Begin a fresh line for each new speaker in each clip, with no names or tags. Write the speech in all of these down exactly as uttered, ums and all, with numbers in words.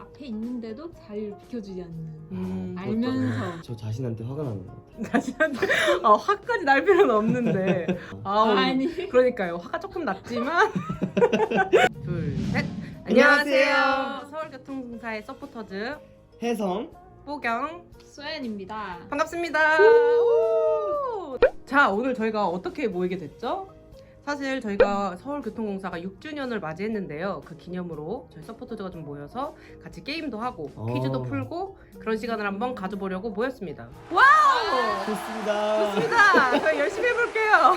앞에 있는데도 자리를 비켜주지 않는.
음,
알면서.
저 자신한테 화가 나는 것 같아요.
자신한테 어, 화까지 날 필요는 없는데 아우,
아니.
그러니까요. 화가 조금 났지만 둘, 셋.
안녕하세요.
안녕하세요. 서울교통공사의 서포터즈
혜성.
뽀경
소연입니다.
반갑습니다. 오! 자, 오늘 저희가 어떻게 모이게 됐죠? 사실 저희가 서울교통공사가 육 주년을 맞이했는데요. 그 기념으로 저희 서포터즈가 좀 모여서 같이 게임도 하고
어.
퀴즈도 풀고 그런 시간을 한번 가져보려고 모였습니다. 와우!
좋습니다.
좋습니다. 저희 열심히 해볼게요.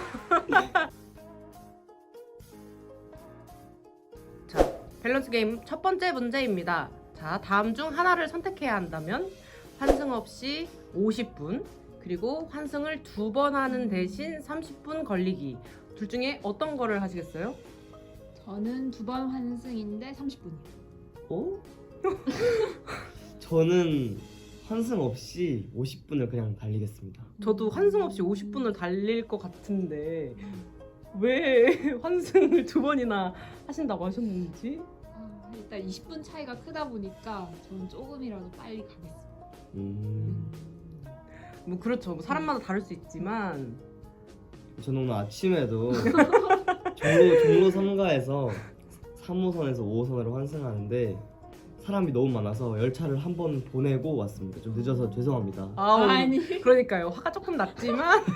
자, 밸런스 게임 첫 번째 문제입니다. 자, 다음 중 하나를 선택해야 한다면 환승 없이 오십 분, 그리고 환승을 두 번 하는 대신 삼십 분 걸리기. 둘 중에 어떤 거를 하시겠어요?
저는 두 번 환승인데 삼십 분이요.
어? 저는 환승 없이 오십 분을 그냥 달리겠습니다.
저도 환승 없이 오십 분을 달릴 것 같은데 왜 환승을 두 번이나 하신다고 하셨는지?
아, 일단 이십 분 차이가 크다 보니까 저는 조금이라도 빨리 가겠습니다.
음.
뭐 그렇죠. 뭐 사람마다 다를 수 있지만
저는 오늘 아침에도 종로, 종로 삼 가에서 삼 호선에서 오 호선으로 환승하는데 사람이 너무 많아서 열차를 한 번 보내고 왔습니다. 좀 늦어서 죄송합니다.
아우,
아니.
그러니까요. 화가 조금 났지만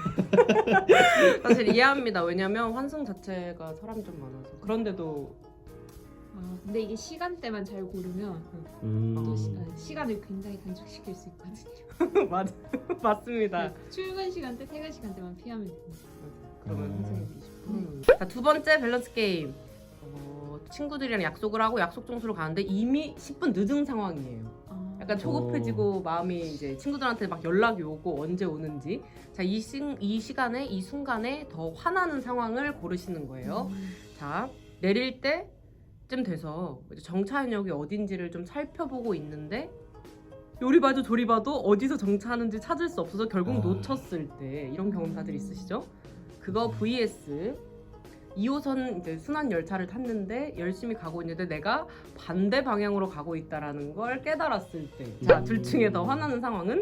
사실 이해합니다. 왜냐면 환승 자체가 사람이 좀 많아서. 그런데도
아, 근데 이게 시간대만 잘 고르면
음.
또 시, 아, 시간을 굉장히 단축시킬 수 있거든요.
맞 맞습니다.
그 출근 시간대, 퇴근 시간대만 피하면 됩니다.
그러면
음.
환승이 이십 분. 자, 두 번째 밸런스 게임. 어, 친구들이랑 약속을 하고 약속 장소로 가는데 이미 십 분 늦은 상황이에요.
아,
약간 초급해지고 마음이 이제 친구들한테 막 연락이 오고 언제 오는지. 자, 이, 시, 이 시간에 이 순간에 더 화나는 상황을 고르시는 거예요.
음.
자, 내릴 때쯤 돼서 이제 정차역이 어딘지를 좀 살펴보고 있는데 요리 봐도 조리 봐도 어디서 정차하는지 찾을 수 없어서 결국
아.
놓쳤을 때 이런 경험 다들 있으시죠? 그거 vs 이 호선 이제 순환 열차를 탔는데 열심히 가고 있는데 내가 반대 방향으로 가고 있다라는 걸 깨달았을 때. 자, 둘 중에 더 화나는 상황은?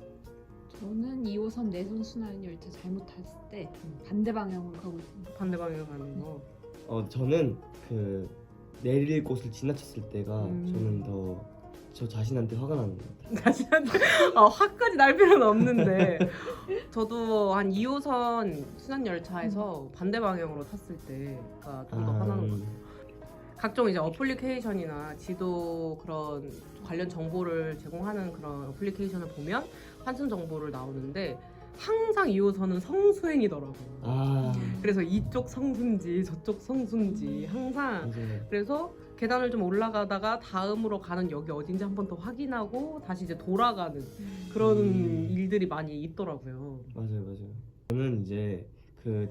저는 이 호선 내선 순환 열차 잘못 탔을 때 반대 방향으로 가고 있습니다.
반대 방향으로 가는 거.
어 저는 그 내릴 곳을 지나쳤을 때가
음.
저는 더 저 자신한테 화가 나는 것 같아요.
자신한테 어, 화까지 날 필요는 없는데 저도 한 이 호선 순환 열차에서 반대 방향으로 탔을 때가 좀 더 화나는 것 같아요. 각종 이제 어플리케이션이나 지도 그런 관련 정보를 제공하는 그런 어플리케이션을 보면 환승 정보를 나오는데 항상 이 호선은 성수행이더라고요.
아
그래서 이쪽 성수인지 저쪽 성수인지 항상.
맞아요.
그래서 계단을 좀 올라가다가 다음으로 가는 역이 어딘지 한 번 더 확인하고 다시 이제 돌아가는 그런
음.
일들이 많이 있더라고요.
맞아요, 맞아요. 저는 이제 그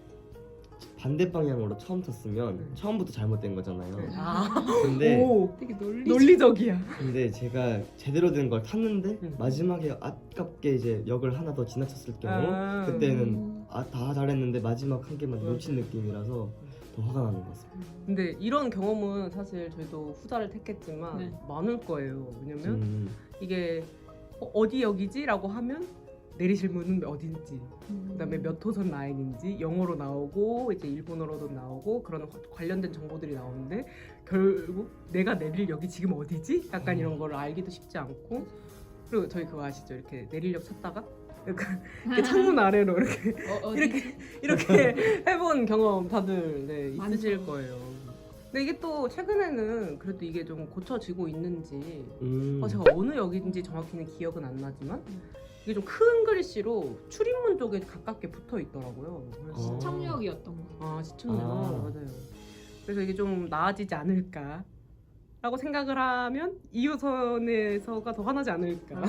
반대 방향으로 처음 탔으면
네.
처음부터 잘못된 거잖아요.
아,
근데
오,
되게 논리.
논리적이야.
근데 제가 제대로 된 걸 탔는데
음.
마지막에 아깝게 이제 역을 하나 더 지나쳤을 경우
아.
그때는 아, 다 잘했는데 마지막 한 개만
음.
놓친 느낌이라서 더 화가 나는 것 같습니다.
근데 이런 경험은 사실 저희도 후자를 택했지만
네.
많을 거예요. 왜냐면
음.
이게 어, 어디 역이지? 라고 하면 내리실 문은 어딘지,
음.
그다음에 몇 호선 라인인지 영어로 나오고 이제 일본어로도 나오고 그런 관련된 정보들이 나오는데 결국 내가 내릴 역이 지금 어디지? 약간 이런 거를 알기도 쉽지 않고. 그리고 저희 그거 아시죠? 이렇게 내릴 역 찾다가 약간 이렇게 창문 아래로 이렇게
어, 어디?
이렇게 이렇게 해본 경험 다들 네, 있으실
많죠.
거예요. 근데 이게 또 최근에는 그래도 이게 좀 고쳐지고 있는지
음.
어, 제가 어느 역인지 정확히는 기억은 안 나지만
음.
이게 좀 큰 글씨로 출입문 쪽에 가깝게 붙어 있더라고요. 그래서
어.
시청역이었던 거.
아, 시청역.
아.
맞아요. 그래서 이게 좀 나아지지 않을까 라고 생각을 하면 이 호선에서가 더 화나지 않을까.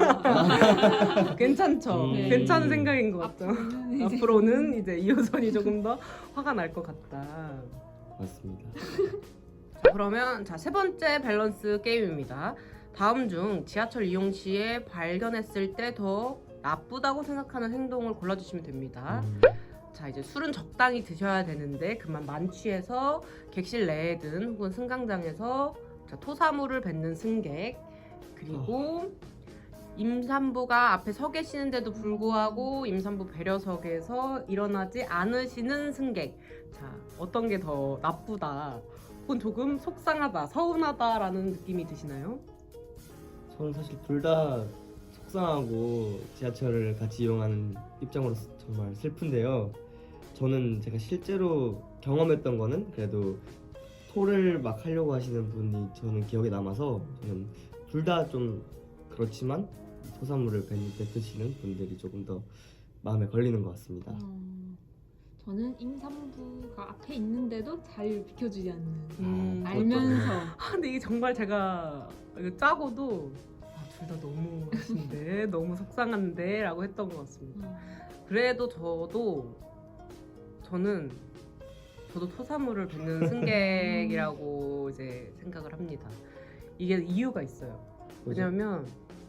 아.
괜찮죠?
음.
괜찮은 생각인 것 같죠?
앞으로는 이제
앞으로는 이제 이 호선이 조금 더 화가 날 것 같다.
맞습니다.
자, 그러면 자, 세 번째 밸런스 게임입니다. 다음 중 지하철 이용 시에 발견했을 때 더 나쁘다고 생각하는 행동을 골라주시면 됩니다.
음.
자, 이제 술은 적당히 드셔야 되는데 그만 만취해서 객실 내에든 혹은 승강장에서 자, 토사물을 뱉는 승객, 그리고 임산부가 앞에 서 계시는데도 불구하고 임산부 배려석에서 일어나지 않으시는 승객. 자, 어떤 게 더 나쁘다 혹은 조금 속상하다, 서운하다라는 느낌이 드시나요?
저는 사실 둘 다 속상하고 지하철을 같이 이용하는 입장으로서 정말 슬픈데요. 저는 제가 실제로 경험했던 거는 그래도 토를 막 하려고 하시는 분이 저는 기억에 남아서 저는 둘 다 좀 그렇지만 토사물을 뱉- 뱉으시는 분들이 조금 더 마음에 걸리는 것 같습니다.
어, 저는 임산부가 앞에 있는데도 자리를 비켜주지 않는
음,
알면서
아, 근데 이게 정말 제가 이거 짜고도 아, 둘 다 너무 하신데 너무 속상한데 라고 했던 것 같습니다.
어,
그래도 저도 저는 저도 토사물을 뱉는 승객이라고 이제 생각을 합니다. 이게 이유가 있어요. 왜냐면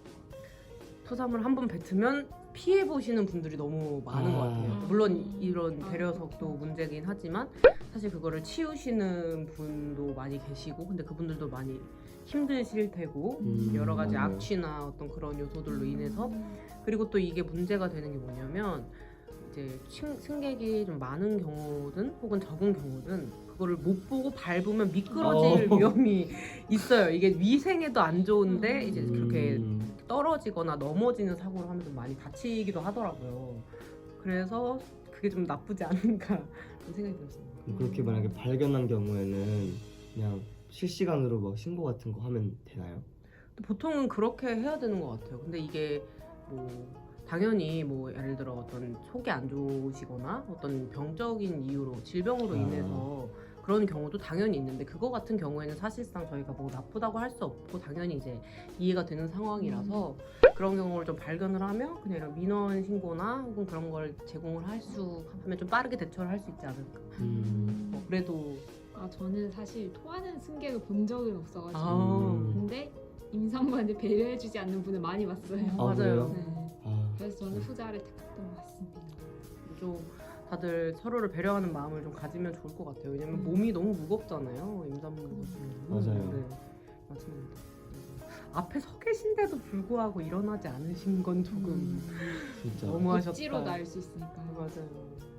토사물 한 번 뱉으면 피해 보시는 분들이 너무 많은
아.
것 같아요. 물론 이런
아,
배려석도
그렇죠.
문제긴 하지만 사실 그거를 치우시는 분도 많이 계시고 근데 그분들도 많이 힘드실 테고
음,
여러 가지
맞아요.
악취나 어떤 그런 요소들로 인해서
음.
그리고 또 이게 문제가 되는 게 뭐냐면 이제 층- 승객이 좀 많은 경우든 혹은 적은 경우든 그거를 못 보고 밟으면 미끄러질
어.
위험이 있어요. 이게 위생에도 안 좋은데 이제
음,
그렇게 떨어지거나 넘어지는 사고를 하면 좀 많이 다치기도 하더라고요. 그래서 그게 좀 나쁘지 않은가 그런 생각이 들었습니다.
그럼 그렇게 만약에 발견한 경우에는 그냥 실시간으로 막 신고 같은 거 하면 되나요?
보통은 그렇게 해야 되는 것 같아요. 근데 이게 뭐 당연히 뭐 예를 들어 어떤 속이 안 좋으시거나 어떤 병적인 이유로 질병으로
아.
인해서 그런 경우도 당연히 있는데 그거 같은 경우에는 사실상 저희가 뭐 나쁘다고 할 수 없고 당연히 이제 이해가 되는 상황이라서 그런 경우를 좀 발견을 하면 그냥 이런 민원 신고나 혹은 그런 걸 제공을 할 수 하면 좀 빠르게 대처를 할 수 있지 않을까.
음.
뭐 그래도
아, 저는 사실 토하는 승객을 본 적은 없어가지고
아.
음.
근데 임산부한테 배려해주지 않는 분을 많이 봤어요.
아,
아, 그래요?
네.
아,
그래서 저는 후자를 택했던 것 같습니다.
좀 다들 서로를 배려하는 마음을 좀 가지면 좋을 것 같아요. 왜냐면
음.
몸이 너무 무겁잖아요. 임산부 같은 경우는.
맞아요.
네, 맞습니다. 앞에 서 계신데도 불구하고 일어나지 않으신 건 조금
음.
진짜
너무하셨다.
억지로 날 수 있으니까.
맞아요.